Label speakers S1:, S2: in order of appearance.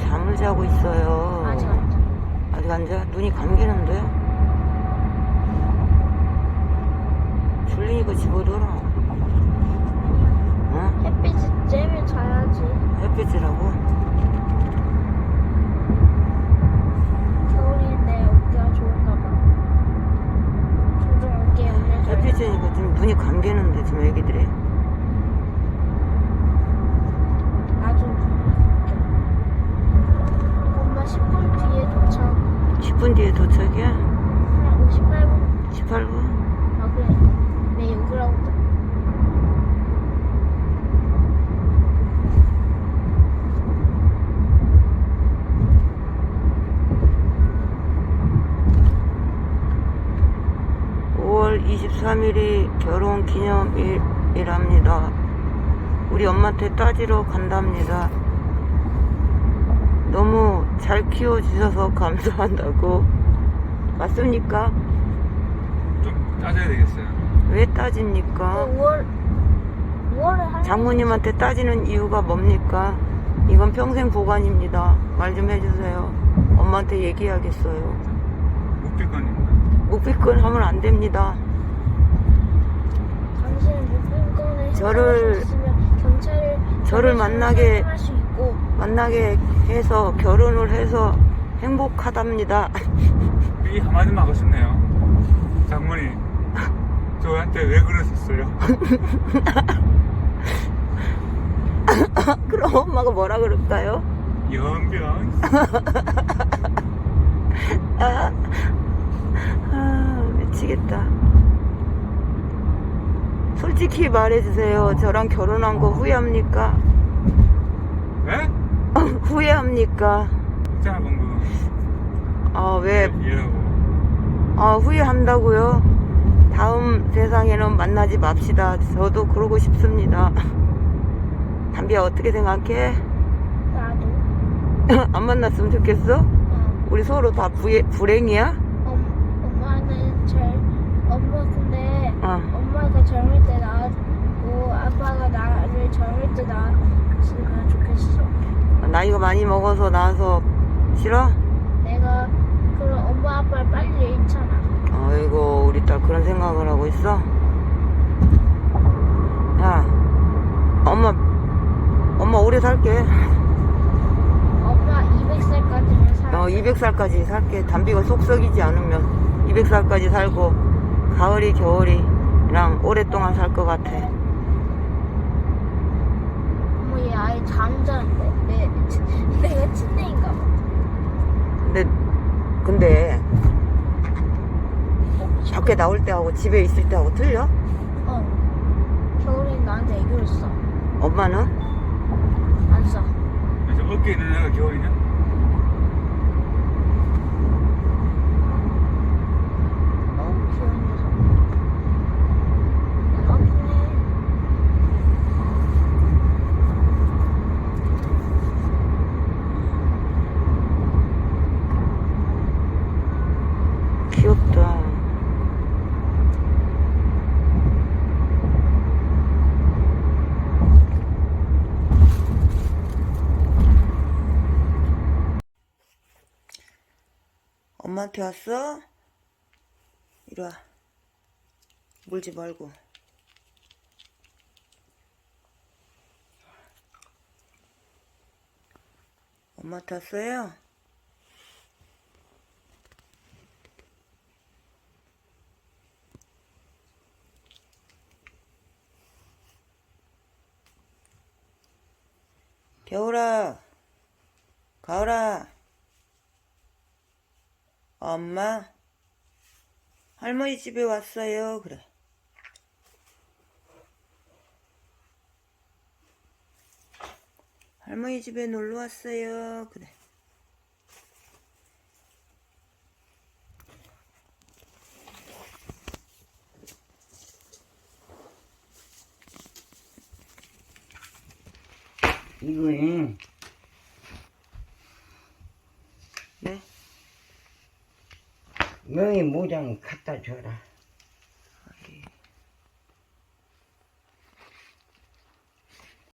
S1: 잠을 자고 있어요.
S2: 아직 안 자.
S1: 아직 안 자? 눈이 감기는데? 졸리니까 집어들어. 응?
S2: 햇빛이 쬐면 자야지.
S1: 햇빛이라고?
S2: 겨울인데 어깨가 좋은가 봐. 종종 어깨에 올려줘야
S1: 햇빛이니까 좀 눈이 감기는데 지금 애기들이.
S2: 나도 엄마 10분 뒤에 도착.
S1: 10분 뒤에 도착이야?
S2: 한 58분?
S1: 18분?
S2: 아 그래. 내 욕을 하고 있다.
S1: (5월 23일이) 결혼 기념일이랍니다. 우리 엄마한테 따지러 간답니다. 너무 잘 키워주셔서 감사한다고. 맞습니까?
S3: 좀 따져야 되겠어요.
S1: 왜 따집니까?
S2: 5월에 한
S1: 장모님한테 따지는 이유가 뭡니까? 이건 평생 보관입니다. 말 좀 해주세요. 엄마한테 얘기하겠어요.
S3: 묵비권입니다.
S1: 묵비권 하면 안 됩니다.
S2: 당신은 묵비권에
S1: 저를
S2: 경찰을
S1: 만나게
S2: 할 수 있고
S1: 해서 결혼을 해서 행복하답니다.
S3: 이 한마디만 하고 싶네요. 장모님, 저한테 왜 그러셨어요?
S1: 그럼 엄마가 뭐라 그럴까요?
S3: 연병.
S1: 미치겠다. 솔직히 말해주세요. 저랑 결혼한 거 후회합니까?
S3: 왜?
S1: 후회합니까?
S3: 있잖아, 방금.
S1: 왜?
S3: 얘라고.
S1: 후회한다고요? 다음 세상에는 만나지 맙시다. 저도 그러고 싶습니다. 담비야, 어떻게 생각해?
S2: 나도.
S1: 안 만났으면 좋겠어? 우리 서로 다 불행이야?
S2: 엄마는 엄마 근데
S1: 어.
S2: 엄마가 젊을 때 낳았고 아빠가 나를 젊을 때 낳았으면 좋겠어.
S1: 나이가 많이 먹어서 나와서 싫어?
S2: 내가 그럼 엄마 아빠를 빨리 잃잖아.
S1: 아이고, 우리 딸 그런 생각을 하고 있어? 야, 엄마 오래 살게.
S2: 엄마 200살까지는 살아.
S1: 200살까지 살게. 담비가 속 썩이지 않으면 200살까지 살고 가을이 겨울이랑 오랫동안 살 것 같아.
S2: 어머 얘 아예 잠자는데 내가 침대인가 봐.
S1: 근데 밖에 나올 때하고 집에 있을 때하고 틀려?
S2: 겨울엔 나한테 애교를 써.
S1: 엄마는?
S2: 안 써.
S3: 저 어깨에 있는 애가 겨울이냐?
S2: 귀여운 녀석. 아프네.
S1: 귀엽다. 엄마한테 왔어? 이리 와. 물지 말고. 엄마한테 왔어요? 겨울아, 가을아, 엄마, 할머니 집에 왔어요. 그래. 할머니 집에 놀러 왔어요. 그래.
S4: 이거에
S1: 네?
S4: 명의 모장 갖다 줘라.